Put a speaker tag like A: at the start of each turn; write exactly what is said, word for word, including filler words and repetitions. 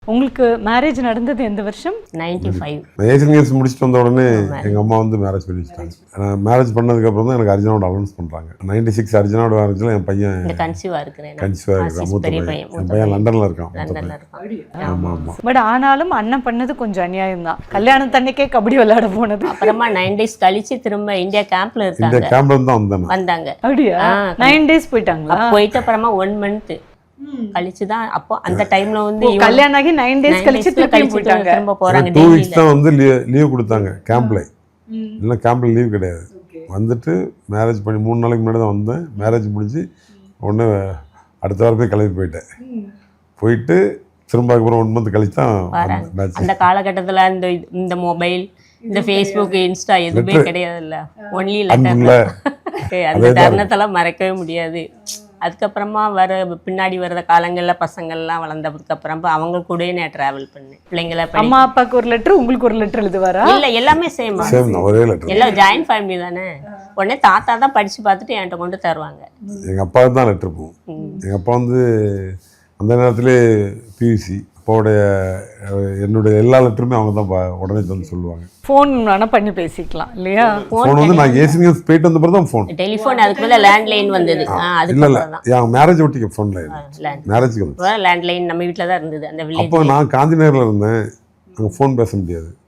A: உங்களுக்கு மேரேஜ் நடந்தது எந்த வருஷம்?
B: Ninety five.
C: ஏசியன் கேம்ஸ் முடிச்சுட்டு வந்த உடனே எங்கள் அம்மா வந்து மேரேஜ் பண்ணி வச்சுட்டாங்க. நான் மேரேஜ் பண்ணதுக்கப்புறம் தான் எனக்கு அர்ஜுனோட அலௌன்ஸ் பண்ணுறாங்க. நைன்டி சிக்ஸ் அர்ஜுனோட மேரேஜில் என் பையன்
B: கன்சீவாக இருக்கிறேன்.
C: கன்சீவாக இருக்கிறான். மூத்த பையன் என் பையன் லண்டனில் இருக்கான்.
B: லண்டனில் இருக்கான்.
C: ஆமாம் ஆமாம்.
A: பட் ஆனாலும் அண்ணன் பண்ணது கொஞ்சம் அநியாயம் தான். கல்யாணம் தண்ணிக்கே கபடி விளையாட போனது.
B: அப்புறமா நைன் டேஸ் கழிச்சு திரும்ப இந்தியா கேம்ப்ல
C: இந்த
B: இருக்காங்க.
C: கேம்ப்ல இருந்து தான் வந்தேன்.
B: வந்தாங்க.
A: அப்படியா? நைன் டேஸ் போயிட்டாங்களா?
B: போயிட்டு அப்புறமா ஒன் மந்த் கழிச்சு தான் அப்போ அந்த டைம்ல வந்து
A: ஓ, கல்யாணம் ஆகி நைன் டேஸ் கழிச்சு திருப்பி போயிட்டாங்க.
B: திரும்ப போறாங்க.
C: டூ வீக்ஸ் தான் வந்து லீவ் கொடுத்தாங்க கேம்ப்ல. இல்லை கேம்ப்ல லீவ் கிடையாது. வந்துட்டு மேரேஜ் பண்ணி மூணு நாளைக்கு முன்னாடி தான் வந்தேன். மேரேஜ் முடிஞ்சு ஒன்று அடுத்த வாரமே கிளம்பி போயிட்டேன். போயிட்டு திரும்ப அப்புறம் ஒன் மந்த் கழிச்சு தான் மேட்ச்.
B: அந்த காலகட்டத்தில் இந்த இந்த மொபைல், இந்த ஃபேஸ்புக், இன்ஸ்டா எதுவுமே கிடையாதுல்ல. Only letter. அந்த தருணத்தெல்லாம் மறக்கவே முடியாது. அதுக்கப்புறமா வர பின்னாடி வர்ற காலங்களில் பசங்கள்லாம் வளர்ந்ததுக்கு அப்புறம் அவங்க கூடயே நான் ட்ராவல் பண்ணேன். பிள்ளைங்களை
A: அம்மா அப்பாவுக்கு ஒரு லெட்டர், உங்களுக்கு ஒரு லெட்டர் எழுதுவாரா?
B: இல்லை, எல்லாமே சேம்.
C: ஒரே லெட்டர்.
B: எல்லாம் ஜாயின்ட் ஃபேமிலி தானே. உடனே தாத்தா தான் படித்து பார்த்துட்டு என்கிட்ட கொண்டு தருவாங்க.
C: எங்கள் அப்பாவுக்கு தான் லெட்டர் போகும். எங்கள் அப்பா வந்து அந்த நேரத்திலே பியூசி. அப்பாவுடைய என்னுடைய எல்லா லெட்டருமே அவங்க தான் உடனே வந்து சொல்லுவாங்க.
A: ஃபோன் வேணால் பண்ணி பேசிக்கலாம் இல்லையா?
C: ஃபோன் வந்து நான் ஏசியன் கேம்ஸ் போயிட்டு வந்த பிறகு தான் ஃபோன்.
B: டெலிஃபோன் அதுக்கு மேலே லேண்ட்லைன் வந்தது.
C: இல்லை இல்லை என் மேரேஜ் ஒட்டிக்க ஃபோனில் மேரேஜுக்கு வந்து
B: லேண்ட்லைன் நம்ம வீட்டில் தான் இருந்தது அந்த வில்லேஜ்.
C: அப்போ நான் காந்தி நகரில் இருந்தேன். அங்கே ஃபோன் பேச முடியாது.